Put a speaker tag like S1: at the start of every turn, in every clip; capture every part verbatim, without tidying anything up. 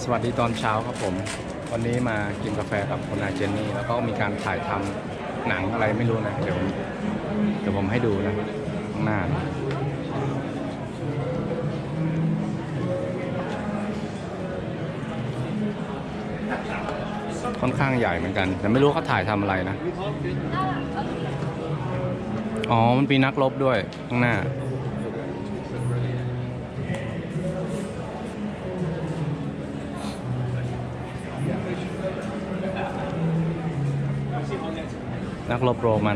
S1: วัสดีตอนเช้าครับผมวันนี้มากินกาแฟกับคุณนายเจนนี่แล้วก็มีการถ่ายทำหนังอะไรไม่รู้นะเดี๋ยวเดี๋ยวผมให้ดูนะข้างหน้าค่อนข้างใหญ่เหมือนกันแต่ไม่รู้เขาถ่ายทำอะไรนะอ๋อมันมีนักรบด้วยข้างหน้านักรบโรมัน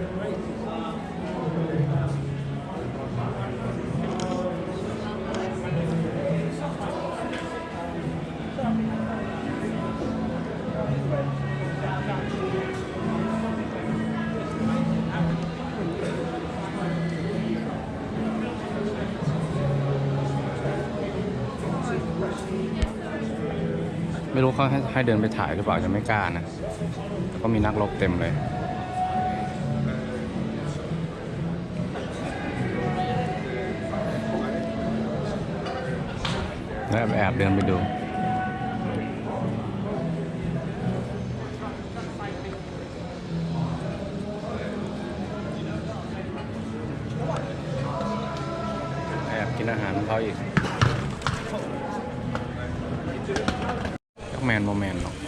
S1: ไม่รู้เขาให้ให้เดินไปถ่ายหรือเปล่าจะไม่กล้านะแต่ก็มีนักรบเต็มเลยแล้วแอบเดินไปดูแอบกินอาหารของเขาอีกแมนโมแมนหรอก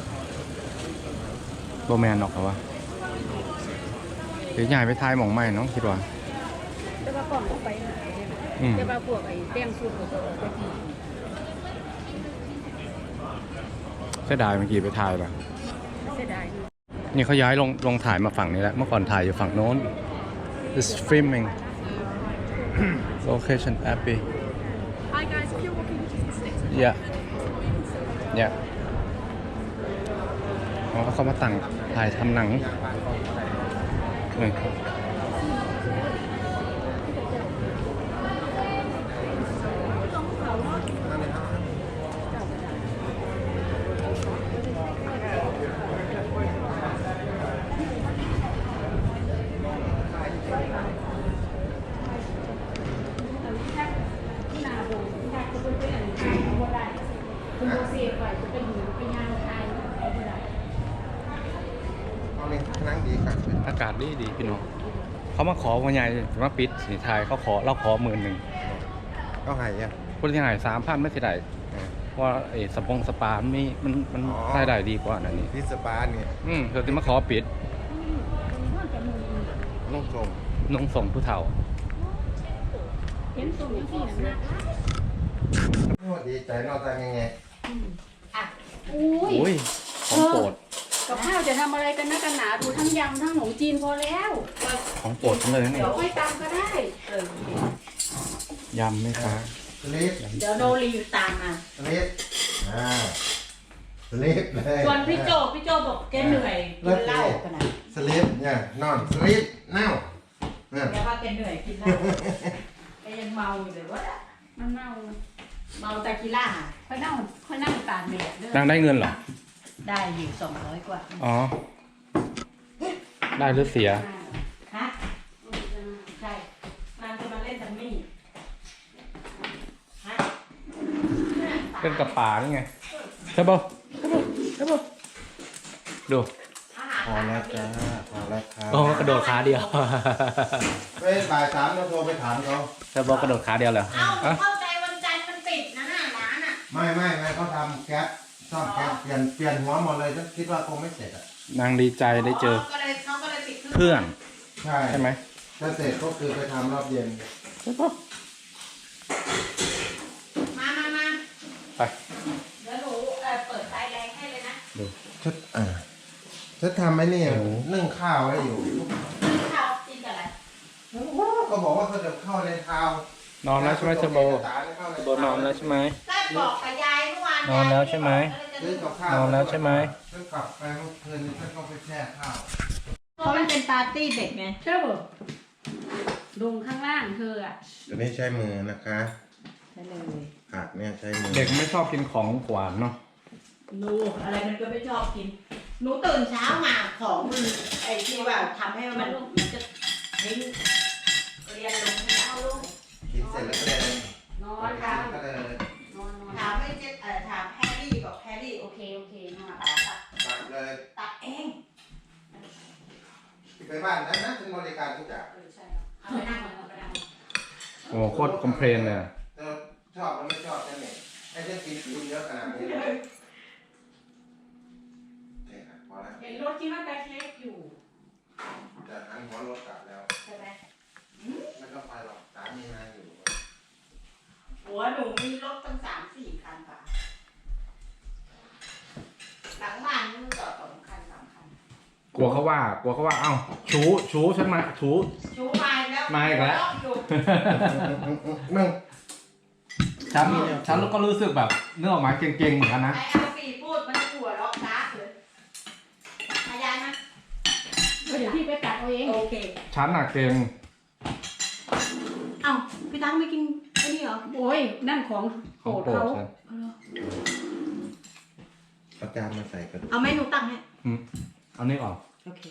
S1: โมแมนหรอกเหรอวะหรือใหญ่ไปทายหมองใหม่น้องคิดว่า
S2: จะมาก่อนไปหาจะมาพวกไอ้แป้งสูตรของตัวไปกิน
S1: เสียดายเมื่อกี้ไปถ่ายป่ะ
S2: เสียดาย
S1: นี่เขาย้ายลงลงถ่ายมาฝั่งนี้แล้วเมื่อก่อนถ่ายอยู่ฝั่งโน้น is filming location happy
S3: Hi guys, if you're walking, just stick to the
S1: yeah yeah อ๋อเขามาตั้งถ่ายทำหนังนี่
S2: คุณดูเสียไปจะเป็นหูเป็นยางไทยเอาไปไหน
S4: เอาเลยนั่งดีครับ
S1: อากาศดีดีพี่น้องเขามาขอวันใหญ่มาปิดสีไทยเขาขอเราขอหมื่นหนึ่ง
S4: เอาไห่อ่ะ
S1: คนที่หายสามพันไม่สิได้เพราะไอ้สปงสปามันมีมันมันใช้ได้ดีกว่านั่นนี่
S4: พิซซ่าปาเนี่ย
S1: อืมเธอที่มาขอปิด
S4: นุ่งทรง
S1: นงส่งผู้เฒ่า
S2: เห็นส่งยังสี่หนังนะ
S4: โอ้ดีใจนอกจากยังไง
S2: อ่ะอุ้ย
S1: อุ้ยของโปรด
S2: กับข้าวจะทำอะไรกันนะกันหนาดูทั้งยำทั้งขนมจีนพอแล้ว
S1: ของโปรดทั้งเลยนะนี่
S2: เดี๋ยวค่อยตามก็ได้เออย
S1: ำไหมคะ
S4: สลิป
S2: เดี๋ยวโนรีตามมา
S4: สลิปอ่าสลิปเลย
S2: ส่วนพี่โจพี่โจบอกแกเหนื่อยกินเหล้าขนาด
S4: สลิปเนี่ยนอนสลิปเน่าเนี่ย
S2: แกว่าแกเหนื่อยกินเหล้าแกยังเมาอยู่เลยวะมันเมาเมาตะกี้ล่าค่อยนั่งค่อยนั่งตากแดดด้วย
S1: นางได้เงินเหรอ
S2: ได้อยู่สองร้อยกว่า
S1: อ๋อ ได้หรือเสีย
S2: ฮะใช่นางจะมาเล่นดัมมี่ฮะ
S1: เป็นกับป่านี่ไงใช่ป่ะใช่ป่ะใช่ป่ะดู
S4: พอแล้วจ้าพอแล้วครับ
S1: โอ้กระโดดขาเดียว
S4: ไปบ่ายสามเราโทรไปถามเขา
S1: ใช่ป่ะกระโดดขาเดียวเหรอ
S2: เอ้า
S1: อะ
S2: เข้าใจวันจันทร์มันปิดนะน่ะร้านอ่ะ
S4: ไม่ไม่ไม่เขาทำแก๊สซ่อมแก๊สเปลี่ยนเปลี่ยนหัวหมดเลยฉันคิดว่าคงไม่เสร็จอ่ะ
S1: นางดีใจได้เจอ
S2: ก็เลยเขาก็เลยปิด
S1: เพื่อน
S4: ใช่
S1: ใช่ไหม
S4: ถ้าเสร็จก็คือไปทำรอบเย็น
S1: ใช่ป่ะ
S2: มามามา
S1: ไป
S2: เดี๋ยวหนูเอ่อเปิดไฟแรงให้เลยนะ
S1: ดู
S4: ชุดอ่าชุดทำไอ้นี่นึ่งข้าวไว้อยู่
S2: ข้าวกินกับอะไร
S4: ก็บอกว่าเขาจะเข้าในเท้าน
S1: อนแล้วใช่ไหมเชโบโบนอนแล้วใช่ไหม
S2: ก็บอกกับยายเมื่อวาน
S1: นอนแล้วใช่ไหม
S4: ซื้อกับข้าวน
S1: อนแล้วใช่ไหม
S4: ฉันกลับไปเมื่อคืนนี้ฉันก็ไปแช่ข้าว
S2: เพราะมันเป็นปาร์ตี้เด็กไงใช่ป่ะลุงข้างล่างเธออ่ะ
S4: ตัวนี้ใช้มือนะคะ
S2: ใช่เลย
S4: ผักเนี่ยใช้มือ
S1: เด็กไม่ชอบกินของหวานเนาะ
S2: หนูอะไรมันก็ไม่ชอบกินหนูตื่นเช้ามาของมันไอ้ที่ว่าทำให้มันมันจะทิ้งเรียนลงเช้าลง
S4: กินเสร็จแล้วก็เลย
S2: นอนครับ
S4: ก็เลย
S2: นอนนอนถามไม่เจ็บเอ่อถามแพรรี่
S4: ไปบ้านนั้นนะฉันบริการทุกอย่าง
S2: เออใช่เอาไปนั่งก่อนเอาไปนั่งก่อน
S1: โอ้โคตรคอมเพลนเลยอะ
S4: เธอชอบมันไม่ชอบนั่นเองให้ฉันกินกินเยอะขนาดนี้เลยโอเคครับพอแล้ว
S2: เห็นรถที่ว่าแบ็คเล็กอยู่
S4: จะหันหัวรถกลับแล้ว
S2: ใช่ไหม
S4: ไม่ต้องไปหรอกสามีนายอยู่
S2: หัวหนูมีรถตั้งสามสี่คันค่ะหลังบ้านนี่มันจอดสองคันสามคัน
S1: กลัวเขาว่ากลัวเขาว่าเอ้าชูชูฉันมาชู
S2: ชูมาอีกแล้ว
S1: มาอีกแล้ว
S2: รอบอยู่
S4: มึง
S1: ฉันฉันก็รู้สึกแบบเนื้อออกมาเก่งๆเหมือนกันนะ
S2: ไอ้เอาปีพูดมันหัวล็อกช้าเลยอายายนะ
S3: เดี๋ยวพี่ไปตัดเอาเอง
S2: โอเค
S1: ฉันหนักเก่ง
S2: เอ้าพี่ตั้งไม่กินไอ้นี่เหรอ
S3: โอ้ยนั่นของโปร
S1: ของ
S3: ด
S1: โปรด
S3: เขา
S1: ฉัน
S4: เอาจารย์มาใส่กัน
S2: เอาเมนูตั้งให้
S1: อืมเอานี่ออก
S2: โอเค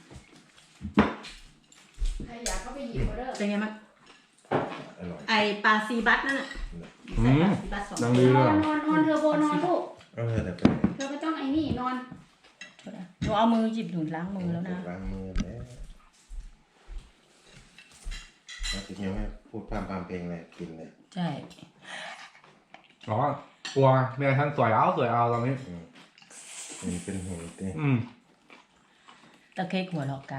S3: ใครอยากก็ไปหยิบมาเด้อ
S2: เป็นไงมั้ง
S4: อร่อย
S2: ไอปลาซีบัสนั่นน่ะ
S1: อื
S2: ใส่
S1: ม
S2: ปลาซีบัสสอง
S1: ดัง
S3: น
S1: ดี
S3: อ
S1: เลย
S3: นนอนนอนเธอโบนอนลูก
S4: เออแต่เป็น
S3: เธอไม่ต้องไอ้นี่นอน
S2: หนูเอามือหยิบหนูล้างมือแล้วนะ
S4: ล้างมือแล้วแล้วทีนี้ไม่พูดพามพามเพลงเลยกินเลย
S2: ใช่
S1: อ๋อกลัวเมียฉันสวยเอาสวยเอาตอนนี้
S4: อืมมันเป็นหุ่นเต้
S1: อืม
S2: ตะเค้กหัวล็อกกา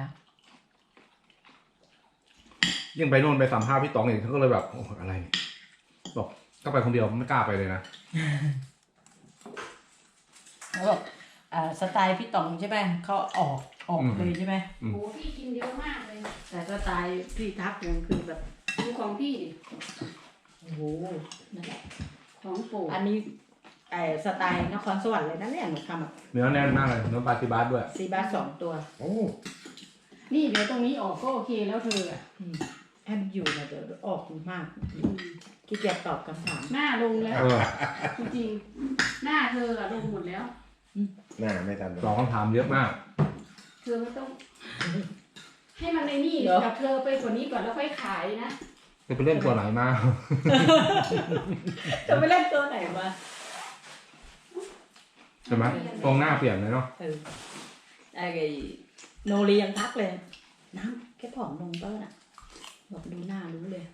S1: ยิ่งไปนู่นไปสัมภาษณ์พี่ต๋องอีกเขาก็เลยแบบโอ้อะไรเนี่ยบอกก็ไปคนเดียวไม่กล้าไปเลยนะ
S2: แล้วบอกอ่าสไตล์พี่ต๋องใช่ไหมเขาออกออก
S1: อืม
S2: เลยใช่ไหม
S1: อืม
S3: โอ้พี่กินเยอะมากเลย
S2: แต่สไตล์พี่ทักเนี่ยคือแบบ
S3: ดูของพี่ดิ
S2: โอ้โหนั่นแหละ
S3: ของโปรด
S2: อันนี้ไอสไตล์นครสวรรค์เลยนะเนี่ยหนูทำแบบ
S1: เนื้อแน่นมากเลยเนื้อปลาซิบาสด้วย
S2: ซีบัสสองตัว
S4: โอ้
S3: นี่เดี๋ยวตรงนี้ออกก็โอเคแล้วเธออ่ะ
S2: อืมให้มันอยู่นะเดี๋ยวออกมากขี้เกียจตอบคำถาม
S3: หน้าลงแล้ว
S1: เออ
S3: จริงๆหน้าเธออะลงหมดแล้ว
S4: หน้าไม่ทันหร
S1: สอ
S4: อง ก
S1: คำถามเยอะมาก
S3: เธอไม่ต้อง ให้มันในนี่
S2: เดี๋ยว
S3: กับเธอไปกว่านี้ก่อนแล้วค่อยขายนะ
S1: จะไปเล่นตัวไหนมา
S2: จะไปเล่นตัวไหนมา
S1: ใช่ไหมตรงหน้าเปลี่ยนเลยเนาะ
S2: เออไอ้โนรียังทักเลย น้ำแค่ผอมลงเต้นอ่ะบอกดูหน้ารู้เลย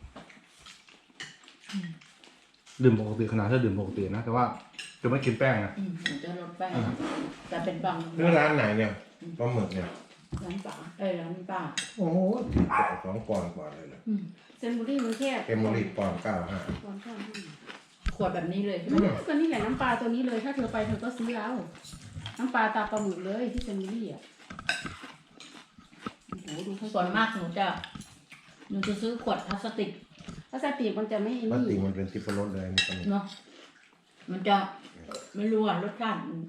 S1: ดื่มปกติขนาดถ้าดื่มปกตินะแต่ว่าจะไม่กินแป้งนะ
S2: อืมหนูจะลดแป้งแต่เป็นบาง
S4: นี่ร้านไหนเนี่ยปลาหมึกเนี่ย
S2: ร้านป๋าเอ้ยร้านป้า
S4: โอ้โหสองปอนด์กว่าเลยเหรอ
S2: อืม
S3: เซนบุรี่มันแค่
S4: เกมโมลีปอนด์เก้าห้า
S3: ก่อนข้าวห้า
S2: ขวดแบบนี้เลย
S3: อืมก็นี่แหละน้ำปลาตัวนี้เลย ถ้าเธอไปเธอก็ซื้อเอาน้ำปลาตาปลาหมึกเลยที่เซนบุรี่อ่ะโอ้โหดูเขา
S2: ส่วนมากหนูจะหนูจะซื้อขวดพลาสติก
S3: พลาสติกมันจะไม่
S4: ปกติ
S3: นี่
S4: มันเป็นทิพรสเลยมันก็
S2: เนาะมันจะไม่รู้อ่ะรสชาติมัน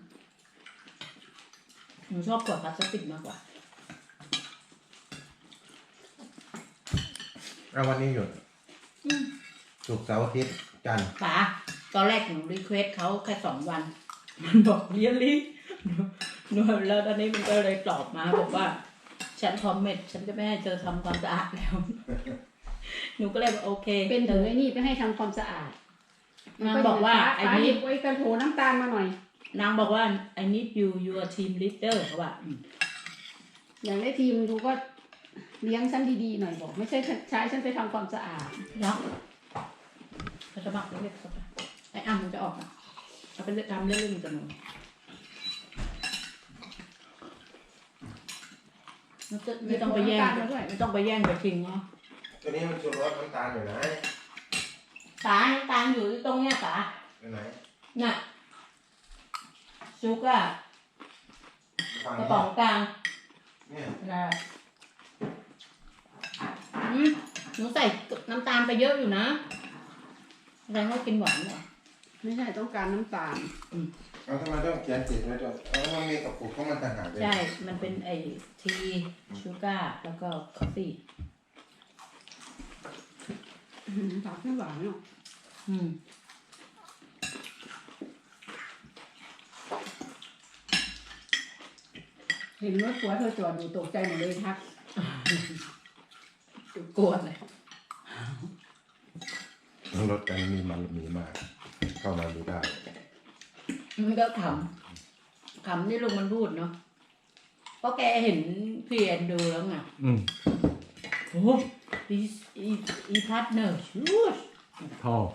S2: หนูชอบขวดพลาสติกมากกว่า
S4: เอาวันนี้หยุด
S2: อืม
S4: ศุกร์เสาร์อาทิตย์จันทร์
S2: ป๋าตอนแรกหนูรีเควสเขาแค่สองวัน มันบอกเรียนรีหนูแล้วตอนนี้มันก็เลยตอบมาบอกว่า ฉันคอมเมนต์ฉันจะไม่ให้เธอทำความสะอาดแล้ว หนูก็เลยบอกโอเค
S3: เป็นถึงไอ้นี่ไปให้ทำความสะอาด
S2: นางบอกว่าไอ้
S3: ไอ้
S2: นี้
S3: นี่ไว้กระโถน้ำตาลมาหน่อย
S2: นางบอกว่า I need you your team leader เขาว่าอืม
S3: อย่างได้ทีมดูก็เลี้ยงฉันดีๆหน่อยบอก ไม่ใช่ใช้ฉันไปทำความสะอาด
S2: เนาะเขาจะบอกเรียกเขาไปไอ้อ้ำมันจะออกอ่ะเอาไปเลือกทำเรื่องๆกับหนูไม่ต้องไม่ต้องไปแย่ง
S3: เดี๋ยวโทรน้ำตาลมาด้วย
S2: ไม่ต้องไปแย่งไปชิงเนาะ
S4: ตัวนี้มันชูรสน้ำตาลอยู่ไหน
S2: ตาน้ำตาลอยู่ตรงเนี้ยตา
S4: อยู่ไหน
S2: น่ะซุกอะ
S4: ฝั่ง
S2: กระ
S4: นี้
S2: ป๋องกลาง
S4: เนี่ย
S2: นะอืมหนูใส่น้ำตาลไปเยอะอยู่นะแสดงว่ากินหวานเหรอ
S3: ไม่ใช่ต้องการน้ำตาล
S4: เอาทำไมต้องเขียนติดไว้ด้วยเอามันมีกระปุกของมันต่างหากเลย
S2: ใช่ มันเป็นไอทีชูการ์แล้วก็คอฟฟี่
S3: อื้อหือผักไม่หวานเนาะ
S2: อืม
S3: เห็นรถผัวเธอจอดอยู่ตกใจหมดเลยทัก
S2: กลัวเลย
S4: รถกันมีมันมีมาก เข้ามาดูได้
S2: มันก็ขำขำที่ลุงมันพูดเนาะราะแกเห็นพี่แอนดูแล้วไง
S1: อืม
S2: โอ้อีอีอีพัดเนอร์ชูช
S1: ท่อ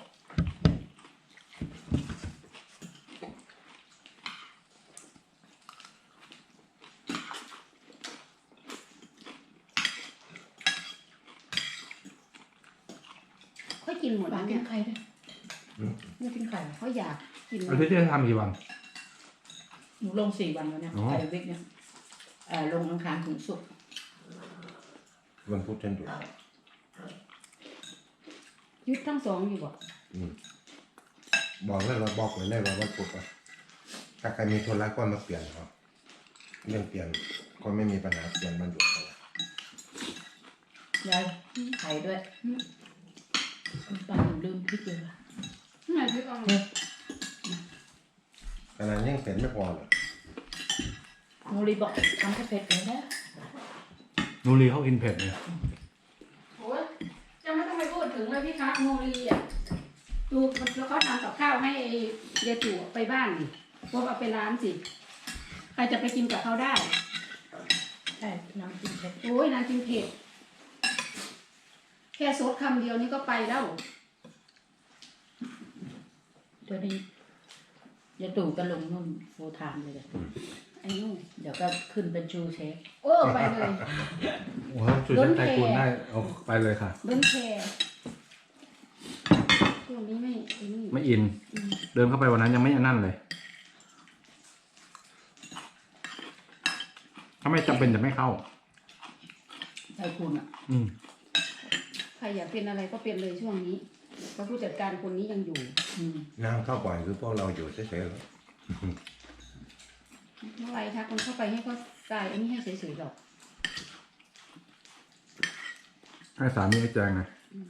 S3: ค่อยกินหมด
S2: ปลา
S3: แล้ว
S2: กิ
S3: เนี่
S2: น
S3: ย
S2: ไข่ด้วยไม่กินไข่เหรอ
S3: เขาอยากกิน
S1: อาทิตย์ที่จะทำกี่วัน
S2: หนูลงสี่วันแล้วเนี่ย
S1: อ๋อ
S2: ไข่วิกเนี่ยเอ่อลงอังคารถึงศุกร์
S4: วันพุธฉันหยุด
S3: ยึดทั้งสองอยู่บ่
S4: อืมบอกเลยเราบอกไว้เลยว่าวันพุธอะถ้าใครมีธุระก็มาเปลี่ยนเอาเรื่องเปลี่ยนก็ไม่มีปัญหาเปลี่ยนวันหยุดเอา
S2: ยายไข่ด้วยปลาหนูลืมพริกเลยว่ะ
S3: นี่ไงพี่กอง
S4: ขนาดยังเสร็จไม่พอเลย
S2: โมลีบอกทำแค่เผ็ดเลยนะ
S1: นูรีเขากินเผ็ดไง
S3: โอ้ยจะไม่ต้องไปพูดถึงเลยพี่คะโมลีอ่ะดูมันแล้วเขาทำกับข้าวให้ยายจู่ไปบ้านนี่พวกเอาไปร้านสิใครจะไปกินกับเขาได้
S2: ใช่น้ำจิ้มเผ็ด
S3: โอ้ยนางกินเผ็ดแค่ซดคำเดียวนี่ก็ไปแล้ว
S2: เดี๋ยวนี้ยายตู่ก็ลงนู่นโฟร์ไทม์เลยจ้ะ
S3: ไอ้นู่น
S2: เดี๋ยวก็ขึ้นเป็นชูเชฟ
S3: โอ้ไปเลย
S1: โอ้โหช่วยเช็คไทยคุณได้เอาไปเลยค่ะ
S3: เบิ้ลแคร์ช่วงนี้ไม่ไอ้นี่
S1: ไม่อิน
S3: อืม
S1: เดินเข้าไปวันนั้นยังไม่อันนั่นเลย ถ้าไม่จำเป็นจะไม่เข้า
S2: ไทยคุณอ่ะ
S1: อืม
S3: ใครอยากเป็นอะไรก็เป็นเลยช่วงนี้เพราะผู้จัดการคนนี้ยังอยู่
S2: อืม
S4: นางเข้าบ่อยคือพวกเราอยู่เฉยๆแล้ว
S3: เมื่อไรทักคนเข้าไปให้เขากายอันนี้ให้เฉยๆหรอก
S1: ให้สามีไอ้แจงไง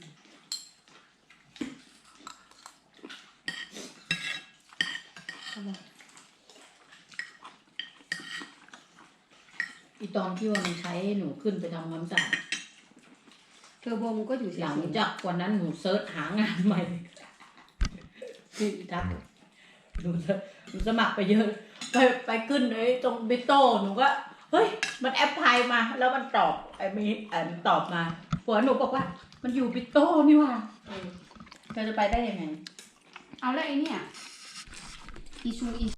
S3: เอาล่ะ
S2: อีตอนที่ว่ามันใช้หนูขึ้นไปทำความสะอาด
S3: เทอร์โบมันก็อยู่เฉ
S2: หลัง
S3: ย
S2: จากวันนั้นหนูเซิร์ชหางานใหม่คืออีทักหนูจะหนูสมัครไปเยอะ ไปไปขึ้นไอ้ตรงบิโต้หนูก็ เฮ้ย มันแอปพลายมา แล้วมันตอบไอ้มีอ่านตอบมาผัวหนูบอกว่า มันอยู่บิโต้นี่หว่าเออเราจะไปได้ยังไง
S3: ๆเอาแล้วไอ้เนี่ยอีชูอี